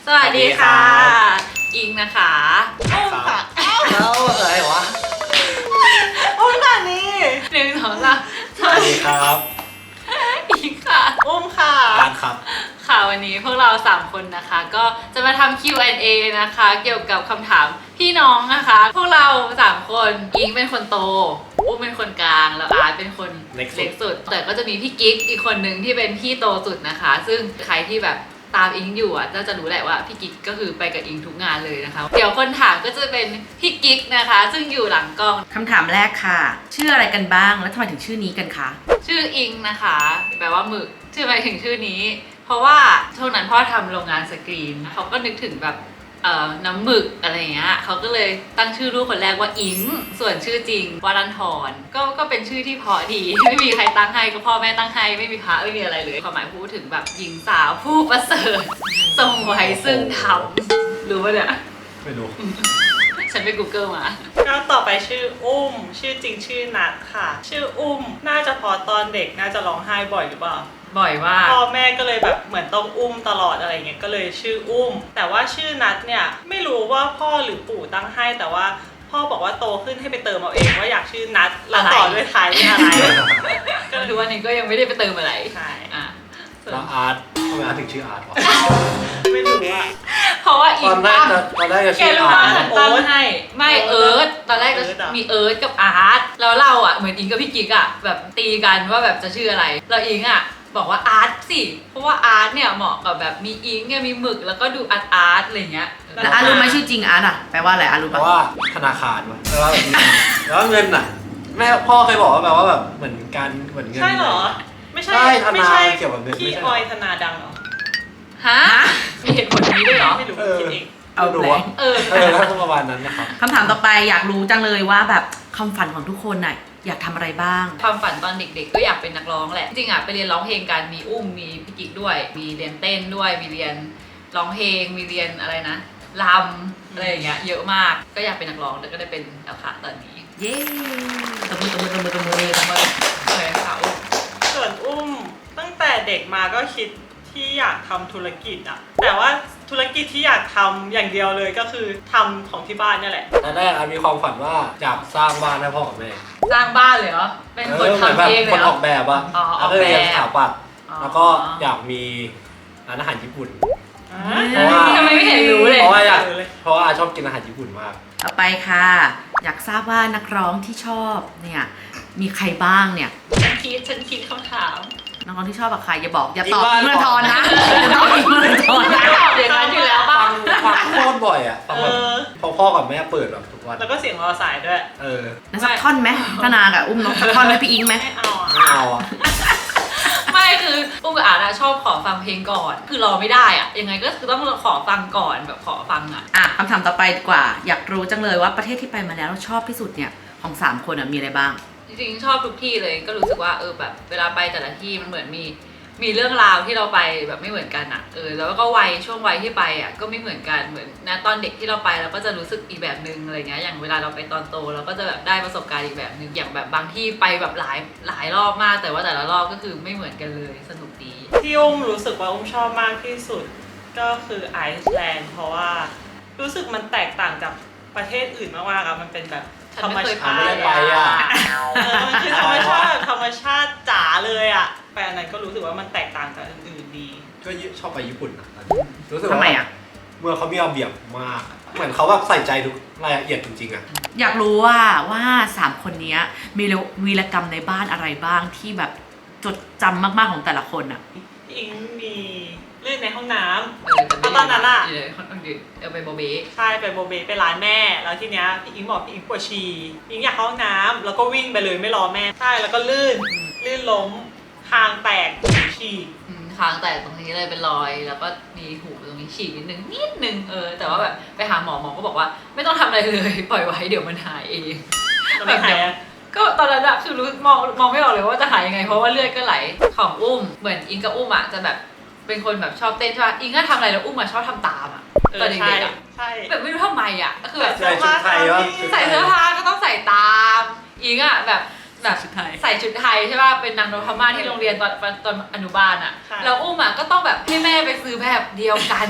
สวัสดีค่ะอิงนะคะอ้อมค่ะแล้วอะไรวะอุ้มค่ะนี่1 2 3 สวัสดีครับอิงค่ะอุ้มค่ะบ้านครับค่ะวันนี้พวกเรา3คนนะคะก็จะมาทำ Q&A นะคะเกี่ยวกับคำถามพี่น้องนะคะพวกเรา3คนอิงเป็นคนโตอุ้มเป็นคนกลางแล้วอาร์ตเป็นคนเล็กสุดแต่ก็จะมีพี่กิ๊กอีกคนนึงที่เป็นพี่โตสุดนะคะซึ่งใครที่แบบตามอิงอยู่อ่ะจะรู้แหละว่าพี่กิ๊กก็คือไปกับอิงทุกงานเลยนะคะเดี๋ยวคนถามก็จะเป็นพี่กิ๊กนะคะซึ่งอยู่หลังกล้องคำถามแรกค่ะชื่ออะไรกันบ้างแล้วทำไมถึงชื่อนี้กันคะชื่ออิงนะคะแปลว่าหมึกชื่อไปถึงชื่อนี้เพราะว่าช่วงนั้นพ่อทำโรงงานสกรีนเขาก็นึกถึงแบบน้ำหมึกอะไรเงี้ยเขาก็เลยตั้งชื่อลูกคนแรกว่าอิงส่วนชื่อจริงวรันทรก็เป็นชื่อที่เพราะดีไม่มีใครตั้งให้ก็พ่อแม่ตั้งให้ไม่มีพระไม่มีอะไรเลยความหมายพูดถึงแบบหญิงสาวผู้ประเสริฐทรงไว้ซึ่งธรรมรู้ป่ะเนี่ยไม่รู้ฉันไป Google มาก็ต่อไปชื่ออุ้มชื่อจริงชื่อนัทค่ะชื่ออุ้มน่าจะพอตอนเด็กน่าจะร้องไห้บ่อยหรือเปล่าบ่อยว่าพ่อแม่ก็เลยแบบเหมือนต้องอุ้มตลอดอะไรเงี้ยก็เลยชื่ออุ้มแต่ว่าชื่อนัทเนี่ยไม่รู้ว่าพ่อหรือปู่ตั้งให้แต่ว่าพ่อบอกว่าโตขึ้นให้ไปเติมเอาเองว่าอยากชื่อนัทแล้วต่อด้วยท้ายด้วยอะไรก็ทุกวันนี้ก็ยังไม่ได้ไปเติมอะไรใช่แล้วอาร์ตทำไมอาร์ตถึงชื่ออาร์ตวะไม่รู้อะเพราะว่าอีกตอนแรกจะชื่ออาร์ตตั้งให้ไม่เอิร์ธตอนแรกจะมีเอิร์ธกับอาร์ตแล้วเราอ่ะเหมือนอิงกับพี่กิ๊กอ่ะแบบตีกันว่าแบบจะชื่ออะไรเราอิงอ่ะบอกว่าอาร์ตสิเพราะว่าอาร์ตเนี่ยเหมาะกับแบบมีอิงเนี่ยมีหมึกแล้วก็ดูอาร์ตอะไรเงี้ยแล้วอาร์ตรู้ไหมชื่อจริงอาร์ตอ่ะแปลว่าอะไรอาร์ตรู้ปะแปลว่าธนาคารวะแปลว่าแบบแล้วเงินอ่ะแม่พ่อเคยบอกว่าแปลว่าแบบเหมือนการเหมือนเงินใช่เหรอไม่ใช่เกี่ยวกับเงินพี่ออยธนาดังเหรอฮะมีเหตุผลนี้ด้วยเหรอไม่รู้คิดเองเอาแหละแล้วประมาณนั้นนะครับคำถามต่อไปอยากรู้จังเลยว่าแบบความฝันของทุกคนน่ะอยากทำอะไรบ้างความฝันตอนเด็กๆก็อยากเป็นนักร้องแหละจริงอ่ะไปเรียนร้องเพลงกันมีอุ้มมีพี่กิ๊กด้วยมีเรียนเต้นด้วยมีเรียนร้องเพลงมีเรียนอะไรนะรำอะไรอย่างเงี้ยเยอะมากก็อยากเป็นนักร้องแล้วก็ได้เป็นแล้วค่ะตอนนี้เย้ตบมือเลยค่ะส่วนอุ้มตั้งแต่เด็กมาก็คิดที่อยากทำธุรกิจอะแต่ว่าธุรกิจที่อยากทำอย่างเดียวเลยก็คือทำของที่บ้านนี่แหละตอนแรกมีความฝันว่าอยากสร้างบ้านให้พ่อกับแม่สร้างบ้านเลยเหรอเป็นคนทำเองเลยคนออกแบบอะแล้วก็เรียนสถาปัตย์แล้วก็อยากมีร้านอาหารญี่ปุ่นทำไมไม่เห็นรู้เลยเพราะว่าชอบกินอาหารญี่ปุ่นมากต่อไปค่ะอยากทราบว่านักร้องที่ชอบเนี่ยมีใครบ้างเนี่ยฉันคิดคำถามนักร้องที่ชอบกับใครอย่าบอกอย่าตอบอิงค์วรันทรนะอย่าตอบอิงค์วรันทรนะอย่างนั้นอยู่แล้วป่ะฟังโคตรบ่อยอ่ะฟังแบบพ่อกับแม่เปิดแบบทุกวันแล้วก็เสียงรอสายด้วยนั่นสักท่อนไหมธนากับอุ้มน้องสักท่อนไหมพี่อิงไหมไม่เอาอ่ะไม่คืออุ้มกับอาร์ตชอบขอฟังเพลงก่อนคือรอไม่ได้อ่ะยังไงก็คือต้องขอฟังก่อนแบบขอฟังคำถามต่อไปดีกว่าอยากรู้จังเลยว่าประเทศที่ไปมาแล้วชอบที่สุดเนี่ยของ3คนมีอะไรบ้างจริงๆชอบทุกที่เลยก็รู้สึกว่าแบบเวลาไปแต่ละที่มันเหมือนมีเรื่องราวที่เราไปแบบไม่เหมือนกันแล้วก็ช่วงวัยที่ไปก็ไม่เหมือนกันเหมือนนะตอนเด็กที่เราไปเราก็จะรู้สึกอีกแบบนึงอะไรเงี้ยอย่างเวลาเราไปตอนโตเราก็จะแบบได้ประสบการณ์อีกแบบนึงอย่างแบบบางที่ไปแบบหลายรอบมากแต่ว่าแต่ละรอบก็คือไม่เหมือนกันเลยสนุกดีที่อุ้มรู้สึกว่าอุ้มชอบมากที่สุดก็คือไอซ์แลนด์เพราะว่ารู้สึกมันแตกต่างจากประเทศอื่นมากๆมันเป็นแบบธรรมชาติมันคือธรรมชาติจ๋าเลยอ่ะแฟนนั้นก็รู้สึกว่ามันแตกต่างจากอื่นๆดีก็ชอบไปญี่ปุ่นนะรู้สึกทำไมเมื่อเขามีระเบียบมากเหมือนเขาแบบใส่ใจทุกรายละเอียดจริงๆอยากรู้ว่า3คนนี้มีวีรกรรมในบ้านอะไรบ้างที่แบบจดจำมากๆของแต่ละคนอิงมีเล่นในห้องน้ำตอนนั้นไปโบเบ้ใช่ไปโบเบ้ไปร้านแม่แล้วทีเนี้ยพี่อิงบอกพี่อิงปวดฉี่อิงอยากเข้าห้องน้ำแล้วก็วิ่งไปเลยไม่รอแม่ใช่แล้วก็ลื่นล้มคางแตกฉี่คางแตกตรงนี้เลยเป็นรอยแล้วก็มีหูตรงนี้ฉีกนิดนึงแต่ว่าแบบไปหาหมอก็บอกว่าไม่ต้องทำอะไรเลยปล่อยไว้เดี๋ยวมันหายเองแบบเนี้ยก็ตอนนั้นคือรู้มองไม่ออกเลยว่าจะหายยังไงเพราะว่าเลือดก็ไหลของอุ้มเหมือนอิงกับอุ้มจะแบบเป็นคนแบบชอบเต้นใช่ป่ะอิงก็ทำอะไรแล้วอุ้มชอบทำตามตอนเด็กใช่แบบไม่รู้ทำไมก็คือแบบใส่ชุดไทยวะใส่เสื้อผ้าก็ต้องใส่ตามอิงแบบใส่ชุดไทยใช่ป่ะเป็นนางนพม่าที่โรงเรียนตอนอนุบาลแล้วอุ้มก็ต้องแบบให้แม่ไปซื้อแบบเดียวกัน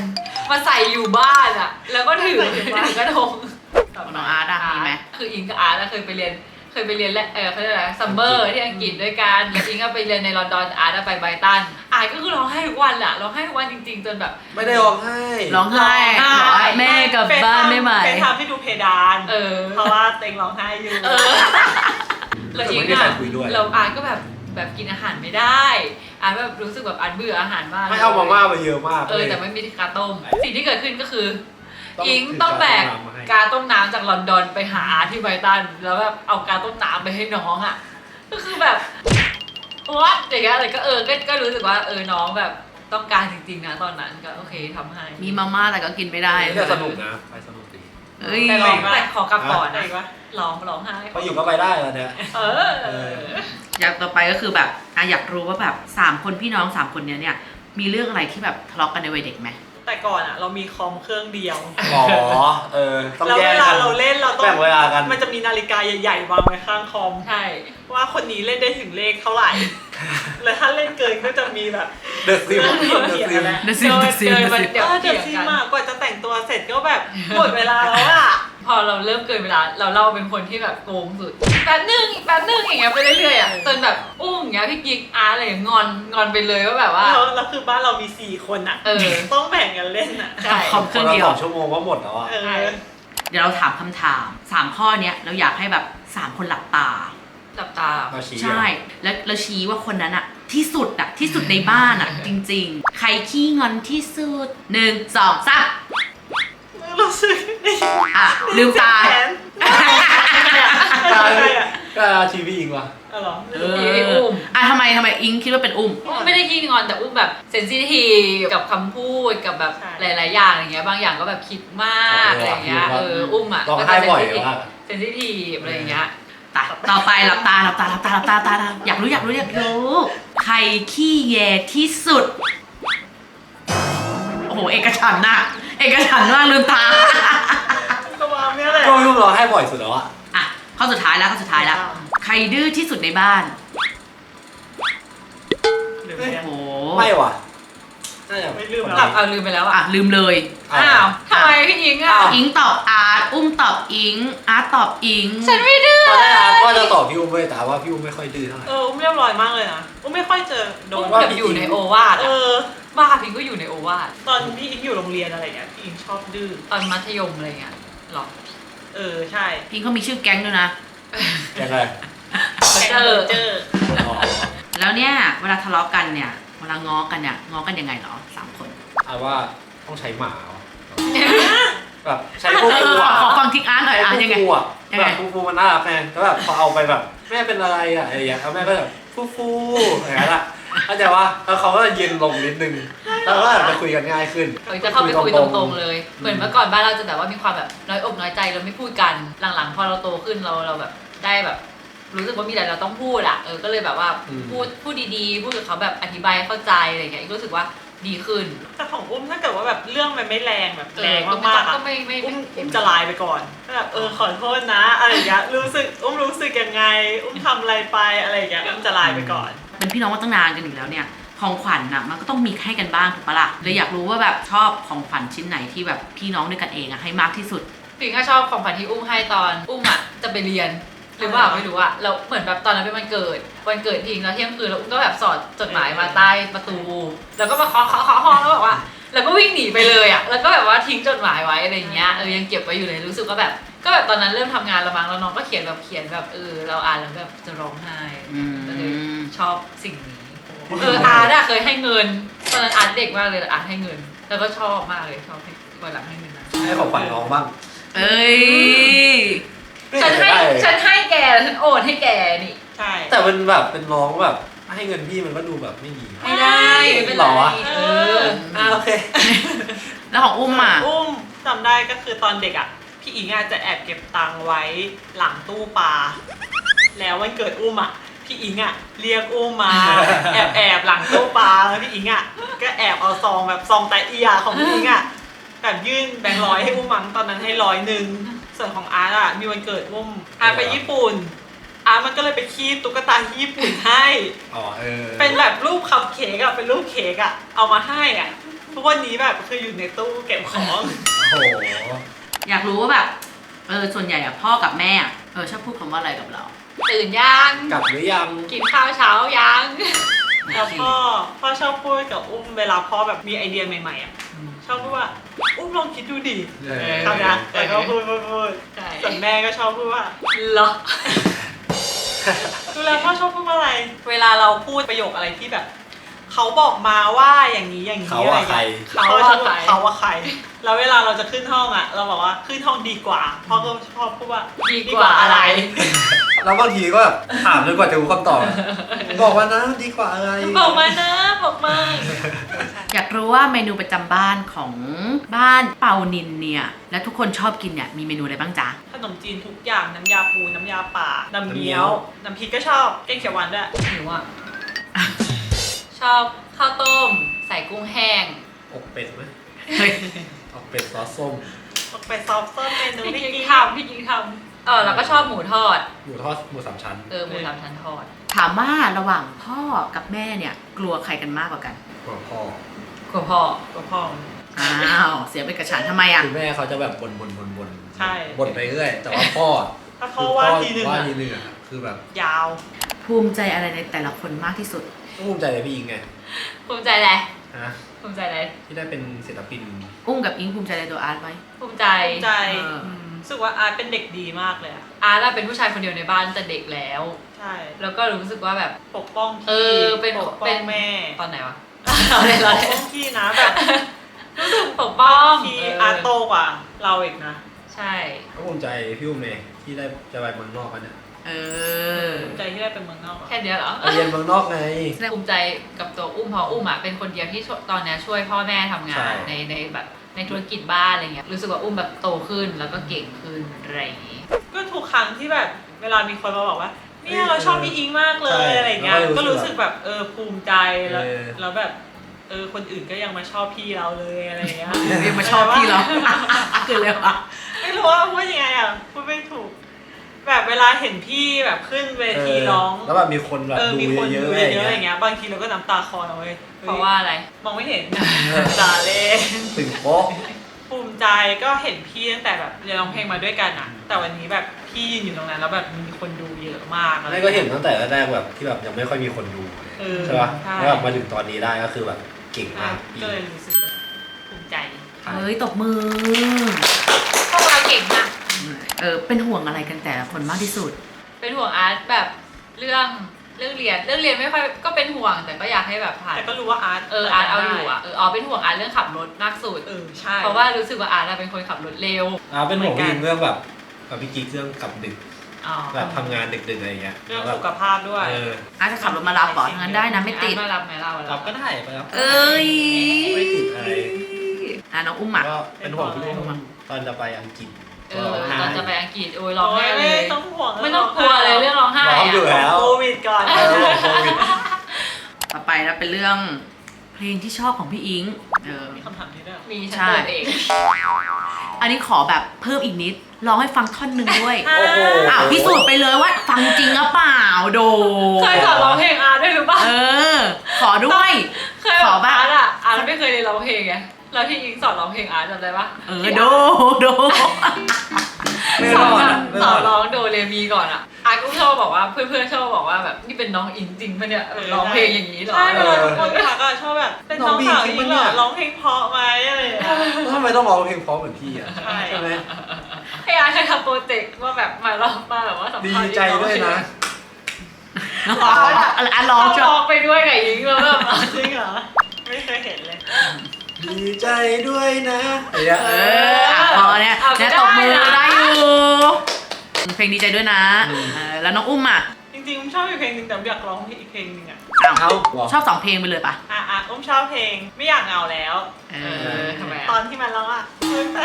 มาใส่อยู่บ้านอ่ะ แล้วก็ถือกระทงของน้องอาร์ตอะมีไหมคืออิงกับอาร์ตเคยไปเรียนและเขาเรียกอะไรซัมเมอร์ที่อังกฤษด้วยกันแล้วอิงก็ไปเรียนในลอนดอนอาร์ตไปไบรตันอาร์ตก็คือร้องไห้ทุกวันแหละร้องไห้ทุกวันจริงๆจนแบบไม่ได้ร้องไห้ร้องไห้บอกว่าแม่กลับบ้านได้ไหมเป็นทำให้ดูเพดาน เพราะว่าเต็งร้องไห้อยู่แล้วอิงอะเราอาร์ตก็แบบกินอาหารไม่ได้อาร์ตแบบรู้สึกแบบอาร์ตเบื่ออาหารมากไม่เอามาม่าไปเยอะมากแต่ไม่มีกาต้มสิ่งที่เกิดขึ้นก็คืออิงต้องแบกกาต้มน้ำจากลอนดอนไปหาอาร์ตที่ไบรตันแล้วแบบเอากาต้มน้ำไปให้น้องอ่ะก็คือแบบวัดอย่างเงี้ยอะไรก็รู้สึกว่าน้องแบบต้องการจริงๆนะตอนนั้นก็โอเคทำให้มีมาม่าแต่ก็กินไม่ได้แต่สนุกนะไปสนุกดีเอ้ยแต่ขอกลับก่อนไหนนะวะร้องไห้พออยู่ก็ไปได้แล้วเนี่ยอยากต่อไปก็คือแบบอยากรู้ว่าแบบ3คนพี่น้อง3คนเนี้ยเนี่ยมีเรื่องอะไรที่แบบทะเลาะกันในวัยเด็กไหมแต่ก่อนอ่ะเรามีคอมเครื่องเดียวอ๋อต้องแล้วแยเวกลากันเราเล่นเราต้องแบ่งเวลากันมันจะมีนาฬิกาใหญ่ๆวางไว้ข้างคอมใช่ว่าคนนี้เล่นได้ถึงเลขเท่าไหร่ แล้วถ้าเล่นเกินก็จะมีแบบเดอะซิมเถียงกันแล้วเดซิมเกินมันเดี๋ยวเดี๋ยวเถีซียงกันมากกว่าจะแต่งตัวเสร็จก็แบบหมดเวลาแล้วอ่ะพอเราเริ่มเกินเวลาเราเป็นคนที่แบบโกงสุดแป๊บนึงอีกแป๊บนึงอย่างเงี้ยไปเรื่อยๆอ่ะจนแบบอย่างเงี้ยพี่กิ๊กอาร์อะไรอย่างเงี้ยงอนไปเลยว่าแบบว่าแล้วคือบ้านเรามี4คนอ่ะ ต้องแบ่งกันเล่นอ่ะใช่คอมเครื่องเดียว 2 ชั่วโมงก็หมดแล้วอ่ะเดี๋ยวเราถามคำถาม3ข้อเนี้ยเราอยากให้แบบ3คนหลับตาหลับตามาชี้ใช่ แล้วชี้ว่าคนนั้นอะที่สุดในบ้านอะจริงๆ ใครขี้งอนที่สุด1 2 3 รู้สึกอ่ะลืมตาแขนอะไรอ่ะก็ชีวิตอิงว่ะเหรออุ้มทำไมอิงคิดว่าเป็นอุ้มไม่ได้ขี้งอนแต่อุ้มแบบเซนซิทีฟกับคำพูดกับแบบหลายๆอย่างอย่างเงี้ยบางอย่างก็แบบคิดมากอะไรอย่างเงี้ยอุ้มอ่ะร้องไห้บ่อยมากเซนซิทีฟอะไรอย่างเงี้ยต่อไปหลับตาอยากรู้ใครขี้แยที่สุด โอ้โหเอกฉันท์มากลืมตาก็วางเนี่ยแหละก็ไม่รู้ร้องไห้บ่อยสุดแล้วอ่ะอ่ะข้อสุดท้ายแล้วใครดื้อที่สุดในบ้าน โอ้โหไม่ว่ะน่าจะไม่ลืมหลับเอาลืมไปแล้วอ่ะลืมเลยอ้าวทำไมพี่อิงอ่ะอิงตอบอาร์ตอุ้มตอบอิงอาร์ตตอบอิงฉันไม่ดื้อตอนแรกว่าจะตอบพี่อุ้มเลยแต่ว่าพี่อุ้มไม่ค่อยดื้อเท่าไหร่อุ้มเรียบร้อยมากเลยนะอุ้มไม่ค่อยเจอโดอุ้นมแบบอยู่ในโอวาทบ้าพิงก็อยู่ในโอวาทตอนพี่อิงอยู่โรงเรียนอะไรเงี้ยพี่อิงชอบดื้อตอนมัธยมอะไรเงี้ยหรอใช่อิงเขามีชื่อแก๊งด้วยนะยังไงเจออ๋อแล้วเนี่ยเวลาทะเลาะกันเนี่ยเวลาง้อกันยังไงเหรอ3 คนเอาว่าต้องใช้หมาว่ะแบบใช้พวกกูขอฟังทิกอาร์ตหน่อยยังไงฟูอ่ะยังแบไงบฟูมันน่ารักไงแล้วแบบพอเอาไปแบบแม่เป็นอะไรอ่ะอะไรอย่างเงี้ยแม่ก็แบบฟูอย่างนั้นอ่ะเข้าใจว่าแล้วเขาก็เย็นลงนิดนึงแล้วก็จะคุยกันง่ายขึ้นจะเข้าไปคุยตรงๆเลย เหมือนเมื่อก่อนบ้านเราจะแบบว่ามีความแบบน้อยอกน้อยใจเราไม่พูดกันหลังๆพอเราโตขึ้นเราแบบได้แบบ รู้สึกว่ามีอะไรเราต้องพูดอ่ะก็เลยแบบว่าพูดดีๆพูดกับเขาแบบอธิบายเข้าใจอะไรอย่างเงี้ยรู้สึกว่าดีขึ้นแต่ของอุ้มถ้าเกิดว่าแบบเรื่องมันไม่แรงแบบแรงมากๆก็อะไม่อุ้มจะไลน์ไปก่อนแบบขอโทษนะอะไรอย่างเงี้ยรู้สึกยังไงอุ้มทำอะไรไปอะไรอย่างเงี้ยอุ้มจะไลน์ไปก่อนเป็นพี่น้องมาตั้งนานกันอยู่แล้วเนี่ยของขวัญน่ะมันก็ต้องมีให้กันบ้างถูกปะล่ะเลยอยากรู้ว่าแบบชอบของขวัญชิ้นไหนที่แบบพี่น้องด้วยกันเองอะให้มากที่สุดปิงก็ชอบของขวัญที่อุ้มให้ตอนอุ้มอ่ะจะไปเรียนหรือว่าไม่รู้อะเราเหมือนแบบตอนนั้นเป็นวันเกิดพิงแล้วเที่ยงคืนแล้วอุ้มก็แบบสอดจดหมายมาใต้ประตูแล้วก็มาเคาะห้องแล้วบอกว่าแล้วก็วิ่งหนีไปเลยอะแล้วก็แบบว่าทิ้งจดหมายไว้อะไรเงี้ยยังเก็บไว้อยู่เลยรู้สึกว่าแบบก็แบบตอนนั้นเริ่มทำงานแล้วมั้งแล้วน้องก็เขียนแบบเราอ่านแล้วแบบจะร้องไห้ก็เลยชอบสิ่งนี้อาร์ตอะเคยให้เงินตอนนั้นอาร์ตเด็กมากเลยอาร์ตให้เงินแล้วก็ชอบมากเลยชอบให้วันหลังให้เงินนะให้ของขวัญน้องบ้างเอ้ยฉันให้แกฉันโอนให้แกนี่ใช่แต่มันแบบเป็นน้องแบบให้เงินพี่มันก็ดูแบบไม่ดีไม่ได้ไม่เป็นหรไรอ โอเคแล้วของอุ้มอ่ะอุ้มจำได้ก็คือตอนเด็กอ่ะพี่อิงอาจจะแอบเก็บตังค์ไว้หลังตู้ปลาแล้ววันเกิดอุ้มอ่ะพี่อิงอ่ะเรียกอุ้มมา แอบหลังตู้ปลาแล้วพี่อิงอ่ะก็แอบเอาซองแบบซองไตเอียของพี่อิงอ่ะแบบยื่นแบงค์ร้อยให้อุ้มมั้งตอนนั้นให้100ส่วนของอาร์ตอ่ะมีวันเกิดอุ้มอาร์ตไปญี่ปุ่นอาร์ตมันก็เลยไปคีบตุ๊กตาที่ญี่ปุ่นให้อ๋อเป็นแบบรูปคัพเค้กอะเป็นรูปเค้กอะเอามาให้อะทุกวันนี้แบบคืออยู่ในตู้เก็บของโอ้โหอยากรู้ว่าแบบส่วนใหญ่อะพ่อกับแม่อะชอบพูดคำว่าอะไรกับเราตื่นยังกลับหรือยังกินข้าวเช้ายังแล้วพ่อชอบพูดกับอุ้มเวลาพ่อแบบมีไอเดียใหม่ๆอ่ะชอบพูดว่าอุ้มลองคิดดูดิเออคำนี้แต่ก็พูดใช่ส่วนแม่ก็ชอบพูดว่าเหรอดูแล้วพ่อชอบพูดว่าอะไร เวลาเราพูดประโยคอะไรที่แบบ เขาบอกมาว่าอย่างนี้อย่างนี้เขาอะไรว่าใครเขาว่าใครเขาว่าใครแล้วเวลาเราจะขึ้นห้องอ่ะ เราบอกว่าขึ้นห้องดีกว่าพ่อก็ชอบพูดว่าดีกว่าอะไรแล้วบางทีก็แบบถามจนกว่าจะรู้คำตอบบอกว่านะดีกว่าอะไรบอกมานะบอกมาอยากรู้ว่าเมนูประจำบ้านของบ้านเปานินเนี่ยและทุกคนชอบกินเนี่ยมีเมนูอะไรบ้างจ๊ะขนมจีนทุกอย่างน้ำยาปูน้ำยาป่าน้ำเงี้ยวน้ำพริกก็ชอบแกงเขียวหวานด้วยหนูอ่ะ ชอบข้าวต้ม ใส่กุ้งแห้งอกเป็ดไหมเฮ้ยอกเป็ดซอสส้มไปซอฟเซอร์เมนูพี่ที่กิ๊กิกนทำพี่กิ๊กทำแล้วก็ชอบหมูทอดหมูทอดหมูสามชั้นหมูสามชั้นทอดถามว่าระหว่างพ่อกับแม่เนี่ยกลัวใครกันมากกว่ากันหัวพ่อกลัวพ่อกับพ่ออ้าวเสียไปกระฉันทำไมอะคือแม่เขาจะแบบบ่นใช่บ่นไปเรื่อยแต่ว่าพ่อถ้าพ่อว่าทีหนึ่งว่าอะทีหนึ่งอะคือแบบยาวภูมิใจอะไรในแต่ละคนมากที่สุดภูมิใจเลยพี่อิงไงภูมิใจอะไรฮะภูมิใจอะไรที่ได้เป็นศิลปินอุ้มกับอิงภูมิใจในตัวอาร์ตไหมภูมิใจใจเออรู้สึกว่าอาร์ตเป็นเด็กดีมากเลยอะอาร์ตอะเป็นผู้ชายคนเดียวในบ้านแต่เด็กแล้วใช่แล้วก็รู้สึกว่าแบบปกป้องพี่เป็นปกป้องแม่ตอนไหนวะปกป้องพี่นะแบบรู้สึกปกป้องพี่อาร์ตโตกว่าเราอีกนะใช่ก็ภูมิใจพี่อุ้มเลยที่ได้จะไปเมืองนอกกันเนี่ยเออใจที่ได้เป็นเมืองนอกอะแค่เดียวเหรอไปเรียนเมืองนอกไงภูมิใจกับตัวอุ้มเพราะอุ้มอ่ะเป็นคนเดียวที่ตอนเนี้ยช่วยพ่อแม่ทำงานใช่ในแบบในธุรกิจบ้านอะไรเงี้ยรู้สึกว่าอุ้มแบบโตขึ้นแล้วก็เก่งขึ้นอะไรอย่างงี้ก็ทุกครั้งที่แบบเวลามีคนมาบอกว่าเนี่ยเราชอบพี่อิงมากเลยอะไรเงี้ยก็รู้สึกแบบภูมิใจแล้วแบบคนอื่นก็ยังมาชอบพี่เราเลยอะไรเงี้ยเรียกมาชอบพี่เรา คือเลยวะไม่รู้ว่าพูดยังไงอ่ะพูดไม่ถูก แบบเวลาเห็นพี่แบบขึ้นเวทีร้องแล้วแบบมีคนแบบดูมีคนเยดูอะๆเยอะไรอะๆอเงี้ย่างเงี้ยบางทีเราก็น้ำตาคลอนะเว้ยเพราะว่าอะไรมองไม่เห็นจ่าเล่นถึงโป๊ะภูมิใจก็เห็นพี่ตั้งแต่แบบเรียนร้องเพลงมาด้วยกันอ่ะ แต่วันนี้แบบพี่ยืนอยู่ตรงนั้นแล้วแบบมีคนดูเยอะมากไม่ก็เห็นตั้งแต่แรกๆแบบที่แบบยังไม่ค่อยมีคนดู ใช่ป่ะใช่แล้วแบบมาถึงตอนนี้ได้ก็คือแบบเก่งมากก็เลยรู้สึกแบบภูมิใจเฮ้ยตบมือพวกเราเก่งมากเป็นห่วงอะไรกันแต่ละคนมากที่สุดเป็นห่วงอาร์ตแบบเรื่องเรียนไม่ค่อยก็เป็นห่วงแต่ก็อยากให้แบบผ่านแต่ก็รู้ว่าอาร์ตอาร์ตเอาอยู่อ่ะเป็นห่วงอาร์ตเรื่องขับรถมากสุดใช่เพราะว่ารู้สึกว่าอาร์ตอะเป็นคนขับรถเร็วเป็นห่วงพี่อิงเรื่องแบบกับพี่กิ๊กเรื่องกลับดึกอ๋อแบบทำงานดึกๆอะไรเงี้ยเรื่องสุขภาพด้วยอาร์ตจะขับรถมารับบอกงั้นได้นะไม่ติดอาร์ตมารับไหมเรารับก็ได้ไปรับเอ้ยไม่ติดอะไรน้องอุ้มอ่ะก็เป็นห่วงพี่อุ้มตอนจะไปอังกฤษตอนจะไปอังกฤษร้องไห้เลไม่ยต้องห่วงไม่ต้องกลัวเลยเรื่องร้องไห้ร้องอยู่อะแล้วโควิดก่อนห่วงโควิดต่อไปนะเป็นเรื่องเพลงที่ชอบของพี่อิงมีคำถามนี้ด้วยเหรอมีฉันเปิดเองอันนี้ขอแบบเพิ่มอีกนิดร้องให้ฟังท่อนหนึ่งด้วยโอ้โหพิสูจน์ไปเลยว่าฟังจริงหรือเปล่าโดเคยสอนร้องเพลงอาร์ตด้วยหรือเปล่าขอด้วยเคยขอแบบอาร์ตไม่เคยเรียนร้องเพลงไงแล้วที่อิงสอนร้องเพลงอาร์ตจำได้ปะโดไม่สรออน ดสอนร้องโดเรมีก่อนอ่ะอาร์ตก็ชอบบอกว่าเพื่อนๆชอบบอกว่าแบบนี่เป็นน้องอิงจริงปะเนี่ยร้องเพลงอย่างนี้เหรอใช่เวลาทุกคนทักอะชอบแบบเป็นน้องสาวอิงเหรอร้องเพลงเพราะไหมอะไรอย่างเงี้ยทำไมต้องร้องเพลงเพราะเหมือนพี่อ่ะใช่ไหมให้อาร์ตเคยทำโปรเจกต์ว่าแบบมาร้องมาแบบว่าสัมดีภาษณ์ใจด้วยนะอ่ะร้องชร้ออบ งไปด้วยกับอิงแล้วแบบจริงเหรอไม่เคยเห็นเลยดีใจด้วยนะอะไรเงี้ยพอเนี่ยตบมือได้อยู่เพลงดีใจด้วยนะแล้วน้องอุ้มอ่ะจริงๆอุ้มชอบอีกเพลงหนึงแต่อยากร้องอีกเพลงหนึงอะเอาชอบ2เพลงไปเลยปะอุ้มชอบเพลงไม่อยากเหงาแล้วทำไมตอนที่มันร้องอะ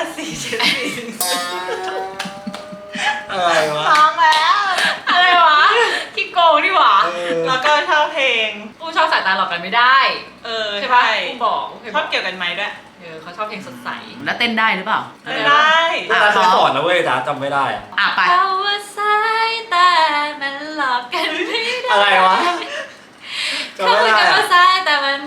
อะไรวะร้องแล้วอะไรวะขี้โกงนี่หว่าแล้วก็ชอบเพลงกูชอบสายตาหลอกกันไม่ได้ ใช่ปะกูบอกกูเคยชอบเกี่ยวกันไหมด้วยเขาชอบเพลงสดใสแล้วเต้นได้หรือเปล่าไม่ได้ตาเคยสอนนะเว้ยจ๋าจำไม่ได้อะไปเพราะว่าสายตามันหลอกกันไม่ได้อะไรวะจำเขาไม่คุยได้กันอะว่าสายแต่มัน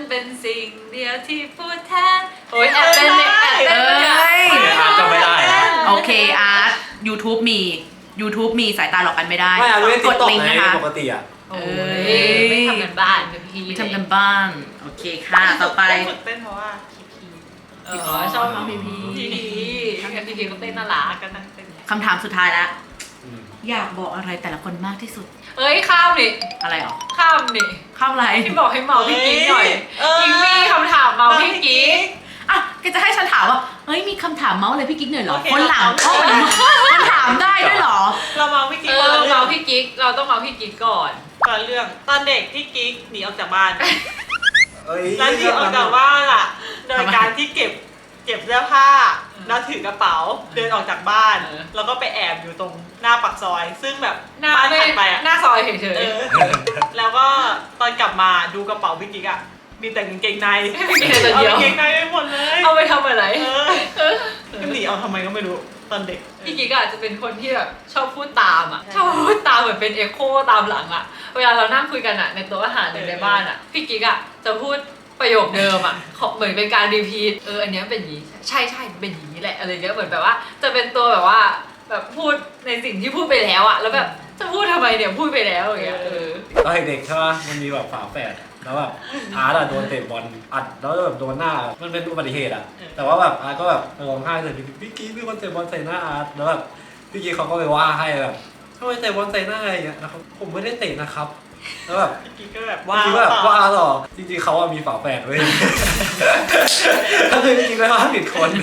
เป็นสิ่งเดียวที่พูดแทนโอ้ยแอบเป็นเนี่ยแอบเป็นเอ้เนี่ยยอาจจะไม่ได้นะโอเคอาร์ต YouTube มีสายตาหลอกกันไม่ได้ไม่อาจจะไม่กติ๊กดต็อกลิงก์ไงนะคะปกติอ่ะโอ้ยไม่ทำกันบ้านเป็นพี่ไม่ทำกันบ้าน โอเคค่ะ ต่อไปฝึกเต้นเพราะว่าพีชอบน้องพีพีพีพีพีพีก็เต้นน่ารักก็นั่งเต้นคำถามสุดท้ายแล้วอืมอยากบอกอะไรแต่ละคนมากที่สุดเอ้ยข้ามนี่อะไรหรอข้ามนี่ข้ามอะไรที่บอกให้เมาพี่กิ๊กหน่อยเออกิ๊กมีคำถามเมาพี่กิ๊กอ่ะแกจะให้ฉันถามว่า เฮ้ย มีคำถามเมาส์อะไรพี่กิ๊กหน่อยเหรอโอเคคนหลังเรามันถามได้ด้วยเหรอเรามองพี่กิ๊กเอก่อนอเรื่อเมาง พี่กิ๊กเราต้องเมาพี่กิ๊กก่อนก่อนเรื่องตอนเด็กพี่กิ๊กหนีออกจากบ้านเอ้ยแล้วหนีออกจากบ้านอ่ะ โดยการที่เก็บเสื้อผ้าแล้วถือกระเป๋าเดินออกจากบ้าน แล้วก็ไปแอบอยู่ตรงหน้าปากซอย ซึ่งแบบหน้าบ้านไม่ถัดไปอ่ะหน้าซอยเฉยเออ แล้วก็ตอนกลับมาดูกระเป๋าพี่กิ๊กอ่ะมีแต่กางเกงในๆไม่มีอะไรเอาเดียวกางเกงในไปหมดเลยเอาไปทำอะไรเออก็หนีเอาทำไมก็ไม่รู้ตอนเด็กพี่กิ๊กอาจจะเป็นคนที่แบบชอบพูดตามอ่ะชอบพูดตามเหมือนเป็นเอ็โคตามหลังอ่ะเวลาเรานั่งคุยกันอ่ะในโต๊ะอาหารหรือในบ้านอ่ะพี่กิ๊กอ่ะจะพูดประโยคเดิมอ่ะเหมือนเป็นการรีพีทอันเนี้ยเป็นอย่างนี้ใช่มันเป็นอย่างนี้แหละอะไรเงี้ยเหมือนแบบว่าจะเป็นตัวแบบว่าแบบพูดในสิ่งที่พูดไปแล้วอ่ะแล้วแบบจะพูดทำไมเนี่ยพูดไปแล้วอย่างเงี้ยตอนเด็กๆใช่ปะมันมีแบบฝาแฝดแล้วแบบอาร์ตอะโดนเตะบอลอัดแล้วแบบโดนหน้ามันเป็นอุบัติเหตุอะแต่ว่าแบบอาร์ตก็แบบร้องไห้เลยพี่กิ๊กมีคนเตะบอลใส่หน้าอาร์ตแล้วแบบพี่กิ๊กเขาก็ไปว่าให้แบบทำไมเตะบอลใส่หน้าอะไรอย่างเงี้ยแล้วเขาผมไม่ได้เตะนะครับแล้วแบบพี่กิ๊กก็แบบพี่กิ๊กก็แบบว่าหรอจริงๆเขาอะมีฝาแฝดเว้ยก็คือพี่กิ๊กเลยว่าผิดคน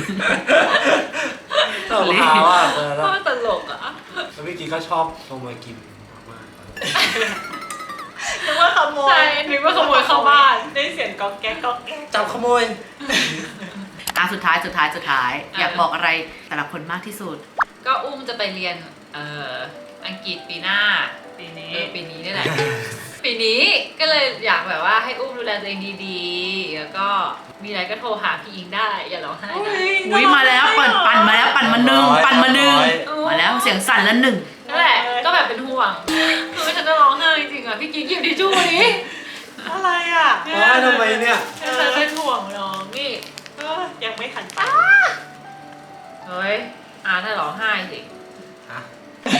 เราพาว่าแล้วก็ตลกอ่ะพี่กิ๊กก็ชอบลงมากินมากนึกว่าขโมยใช่นึกว่าขโมยเข้าบ้านได้เสียงก๊อกแก๊กก๊อกแก๊กจับขโมยอ่ะสุดท้าย อยากบอกอะไรแต่ละคนมากที่สุดก็อุ้มจะไปเรียนอังกฤษปีหน้าปีนี้ปีนี้นี่แหละ ปีนี้ก็เลยอยากแบบว่าให้อุ้มดูแลตัวเองดีๆ แล้วก็มีอะไรก็โทรหาพี่อิงได้ อย่าร้องไห้นะอุ้ยมาแล้วปั่นมาแล้วปั่นมาหนึ่งมาแล้วเสียงสั่นแล้วหนึ่งนั่นแหละก็แบบเป็นห่วงคือฉันจะร้องไห้จริงๆอ่ะพี่กิ๊กหยิบทิชชู่นี้อะไรอ่ะร้องไห้ทำไมเนี่ยฉันเป็นห่วงน้องนี่ยังไม่ทันไปเฮ้ยถ้าร้องไห้สิฮะ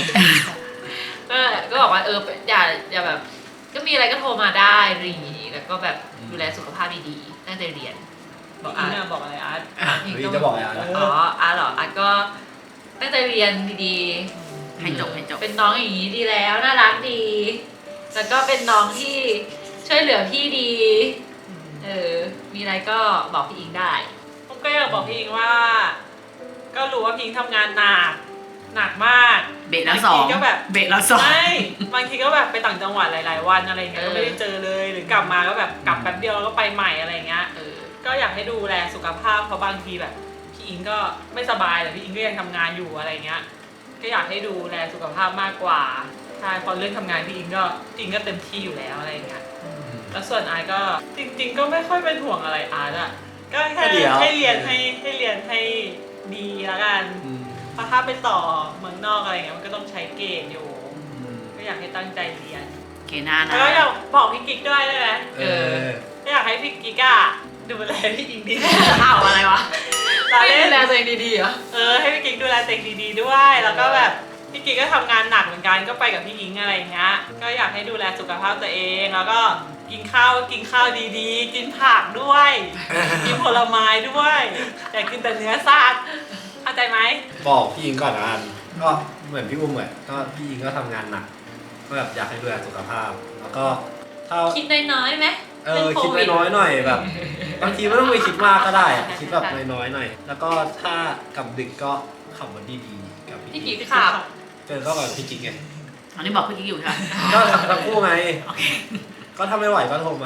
ก็บอกว่าอย่าแบบ ก็มีอะไรก็โทรมาได้อะไรอย่างงี้แล้วก็แบบดูแลสุขภาพดีๆตั้งใจเรียนบอกอาร์ตบอกอะไรอาร์ตพี่พี่จะบอกอะไรนะอ๋อเหรอก็ตั้งใจเรียนดีๆให้จบเป็นน้องอย่างนี้ดีแล้วน่ารักดี แล้วก็เป็นน้องที่ช่วยเหลือพี่ดี มีอะไรก็บอกพี่อิงได้ผมก็อยากบอกพี่อิงว่า ก็รู้ว่าพี่อิงทำงานหนักมากเบรกแล้วสองบางทีก็แบบเบรกแล้วสองไม่บางทีก็แบบไปต่างจังหวัดหลายๆวันอะไรเงี้ยก็ไม่ได้เจอเลยหรือกลับมาก็แบบกลับแป๊บเดียวแล้วก็ไปใหม่อะไรเงี้ยก็อยากให้ดูแลสุขภาพเพราะบางทีแบบพี่อิงก็ไม่สบายแต่พี่อิงก็ยังทำงานอยู่อะไรเงี้ยก็อยากให้ดูแลสุขภาพมากกว่าใช่พอเรื่องทำงานพี่อิงก็เต็มที่อยู่แล้วอะไรเงี้ยแล้วส่วนไอก็จริง ๆ ก็ไม่ค่อยเป็นห่วงอะไรอาร์ตอะก็แค่ให้เรียนให้ดีแล้วกันเพราะถ้าไปต่อเมืองนอกอะไรเงี้ยมันก็ต้องใช้เกรดอยู่ก็อยากให้ตั้งใจเรียนเกน่านะแล้วก็อยากบอกพี่กิ๊กด้วยได้ไหม อยากให้พี่กิ๊กอะดูแลพี่อิงดีอ้าวอะไรวะเราไม่เล่ดูนแลตัวเองดีๆเหรอให้พี่กิ๊กดูแลตัวเองดีๆด้วยแล้วก็แบบพี่กิ๊กก็ทำงานหนักเหมือนกันก็ไปกับพี่อิงอะไรอย่างเงี้ยก็อยากให้ดูแลสุขภาพตัวเองแล้วก็กินข้าวดีๆ กินผักด้วย กินผลไม้ด้วยอย่ากินแต่เนื้อสัตว์เข้าใจไหมบอกพี่อิงก่อนนะอันก็เหมือนพี่อุ้มเหมือนก็พี่อิงก็ทำงานหนักก็แบบอยากให้ดูแลสุขภาพ แล้วก็ถ้าคิดน้อยๆไหมคิดน้อยๆหน่อยแบบบางทีไม่ต้องไปคิดมากก็ได้อะคิดแบบน้อยๆหน่อย แล้วก็ถ้ากลับดึกก็ขับรถดีๆกับพี่พี่กิ๊กิ๊กกขับเจอก็กับพี่กิ๊กไงอันนี้บอกพี่กิ๊กอยู่ใช่ไหมก็ทั้งคู่ไงก็ถ้าไม่ไหวก็โทรมา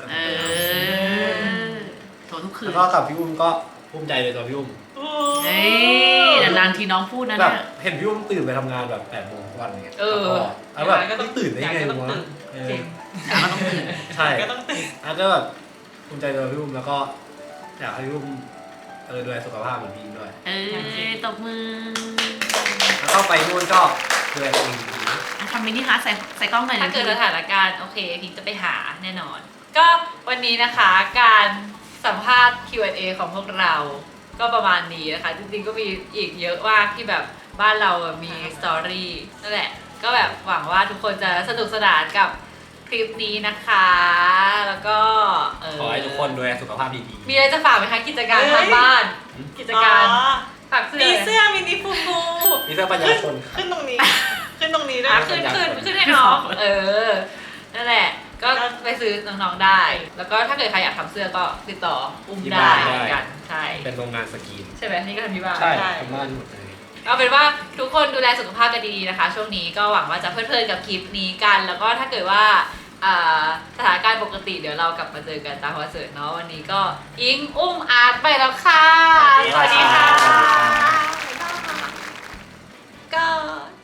โทรทุกคืแล้นวก็กับพี่อุ้มก็ภูมิใจเลยตัวพี่อุ้มเฮ้ยนานๆทีน้องพูดนะแบบเนี่ยเห็นพี่อุ้มตื่นไปทำงานแบบ8 โมงทุกวันเนี่ยแล้แล้ว วแบแบบ บนี่ตื่นได้ไงวะจริงแต่ก็ต้องตื่นใช่ก็ต้องตื่นอาจจะแบบภูมิใจในพี่อุ้มแล้วก็อยากให้พี่อุ้มดูแลสุขภาพเหมือนพี่อิงด้วยตบมือแล้วก็ไปนู่นก็ดูแลตัวเองดีทำมินิฮาร์ทใส่กล้องหน่อยถ้าเกิดสถานการณ์โอเคพิงจะไปหาแน่นอนก็วันนี้นะคะการสัมภาษณ์ Q&A ของพวกเราก็ประมาณนี้นะคะจริงๆก็มีอีกเยอะมากที่แบบบ้านเรามีสตอรี่นั่นแหละก็แบบหวังว่าทุกคนจะสนุกสนานกับคลิปนี้นะคะแล้วก็ขอให้ทุกคนดูแลสุขภาพดีมีอะไรจะฝากไหมคะกิจการทางบ้านกิจการฝากเสื้อมีเสื้อมินิฟูฟูๆมีเสื้อปัญญาชนขึ้นตรงนี้ ขึ้นตรงนี้ด้วยขึ้นให้น้องนั่นแหละก็ไปซื้อน้องๆได้ แล้วก็ถ้าเกิดใครอยากทำเสื้อก็ติดต่ออุ้มได้เหมือนกันใช่เป็นโรงงานสกรีนใช่ไหมนี่ก็ทำที่บ้านใช่ทำบ้านหมดเลยเอาเป็นว่าทุกคนดูแลสุขภาพกันดีๆนะคะ ช่วงนี้ก็หวังว่าจะเพลิดๆกับคลิปนี้กัน แล้วก็ถ้าเกิดว่าสถานการณ์ปกติเดี๋ยวเรากลับมาเจอกันตามคอนเสิร์ตเนาะวันนี้ก็อิงอุ้มอาร์ตไปแล้วค่ะสวัสดีค่ะก็